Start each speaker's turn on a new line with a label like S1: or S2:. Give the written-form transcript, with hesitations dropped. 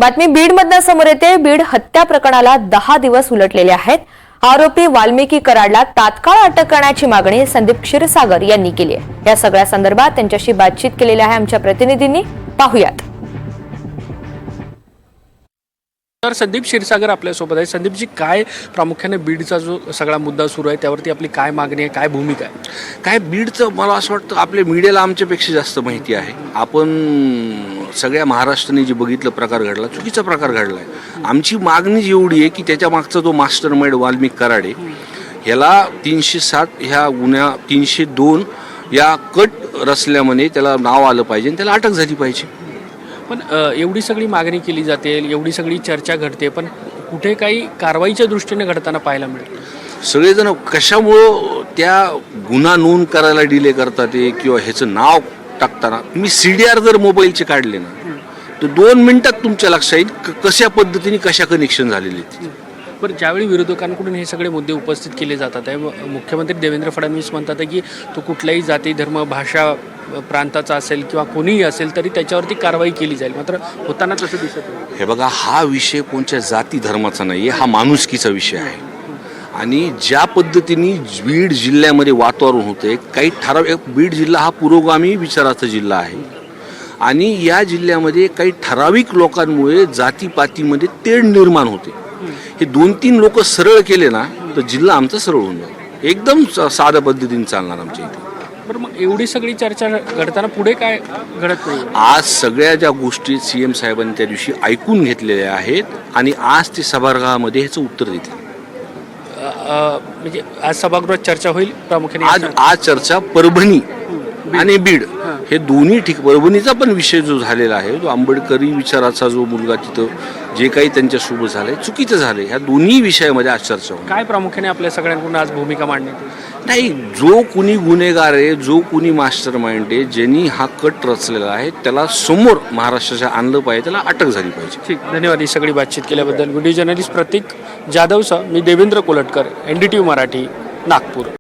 S1: बातमी बीडमधनं समोर येते। बीड हत्या प्रकरणाला 10 दिवस उलटलेले आहेत। आरोपी वाल्मिकी कराडला तात्काळ अटक करण्याची मागणी संदीप क्षीरसागर यांनी केली आहे। या सगळ्या संदर्भात त्यांच्याशी बातचीत केलेली आहे आमच्या प्रतिनिधींनी, पाहूयात।
S2: तर संदीप क्षीरसागर आपल्यासोबत आहे। संदीपजी, काय प्रामुख्याने बीडचा जो सगळा मुद्दा सुरू आहे त्यावरती आपली काय मागणी आहे, काय भूमिका आहे?
S3: काय बीडचं मला असं वाटतं आपल्या मीडियाला आमच्यापेक्षा जास्त माहिती आहे। आपण सगळ्या महाराष्ट्राने जे बघितलं प्रकार घडला, चुकीचा प्रकार घडला आहे। आमची मागणी एवढी आहे की त्याच्या मागचा जो मास्टर माइंड वाल्मिक कराडे ह्याला 307 ह्या गुन्ह्या 302 या कट रचल्यामध्ये त्याला नाव आलं पाहिजे आणि त्याला अटक झाली पाहिजे।
S2: पण एवढी सगळी मागणी केली जाते, एवढी सगळी चर्चा घडते, पण कुठे काही कारवाईच्या दृष्टीने घडताना पाहायला मिळतं।
S3: सगळेजण कशामुळं त्या गुन्हा नोंद करायला डिले करतात किंवा ह्याचं नाव टाकताना तुम्ही CDR जर मोबाईलचे काढले ना तर 2 मिनिटात तुमच्या लक्षात येईल कशा पद्धतीने कशा कनेक्शन झालेले आहेत।
S2: पण ज्यावेळी विरोधकांकडून हे सगळे मुद्दे उपस्थित केले जातात आहे, मुख्यमंत्री देवेंद्र फडणवीस म्हणतात की तो कुठलाही जाती धर्म भाषा प्रांताचा असेल किंवा कोणीही असेल तरी त्याच्यावरती कारवाई केली जाईल, मात्र होताना तसं दिसत नाही।
S3: हे बघा, हा विषय कोणत्या जाती धर्माचा नाही आहे, हा माणुसकीचा विषय आहे। आणि ज्या पद्धतीने बीड जिल्ह्यामध्ये वातावरण होते, काही ठराविक, बीड जिल्हा हा पुरोगामी विचाराचा जिल्हा आहे आणि या जिल्ह्यामध्ये काही ठराविक लोकांमुळे जातीपातीमध्ये तेढ निर्माण होते। हे 2-3 लोक सरळ केले ना तर जिल्हा आमचा सरळ होऊन जाईल, एकदम साध्या पद्धतीने चालणार आमच्या इथे।
S2: बरं, मग एवढी सगळी चर्चा घडताना पुढे काय घडत नाही?
S3: आज सगळ्या ज्या गोष्टी CM साहेबांनी त्या दिवशी ऐकून घेतलेल्या आहेत आणि आज ते सभागृहामध्ये ह्याचं उत्तर देतील।
S2: म्हणजे आज सभागृहात चर्चा होईल प्रामुख्याने।
S3: आज चर्चा परभणी आणि बीड हे दोन्ही परभणीचा पण विषय जो झालेला आहे, जो आंबेडकरी विचाराचा जो मुलगा तिथं जे काही त्यांच्यासोबत झालंय चुकीचं झालंय, ह्या दोन्ही विषयामध्ये आज चर्चा होईल।
S2: काय प्रामुख्याने आपल्या सगळ्यांकडून आज भूमिका मांडण्यात येईल?
S3: नाही, जो कुणी गुन्हेगार आहे, जो कुणी मास्टर माइंड आहे, ज्यांनी हा कट रचलेला आहे त्याला समोर महाराष्ट्राच्या आणलं पाहिजे, त्याला अटक झाली पाहिजे।
S2: ठीक, धन्यवाद ही सगळी बातचीत केल्याबद्दल। व्हिडिओ जर्नलिस्ट प्रतीक जाधवसह मी देवेंद्र कोलटकर, NDTV मराठी, नागपूर।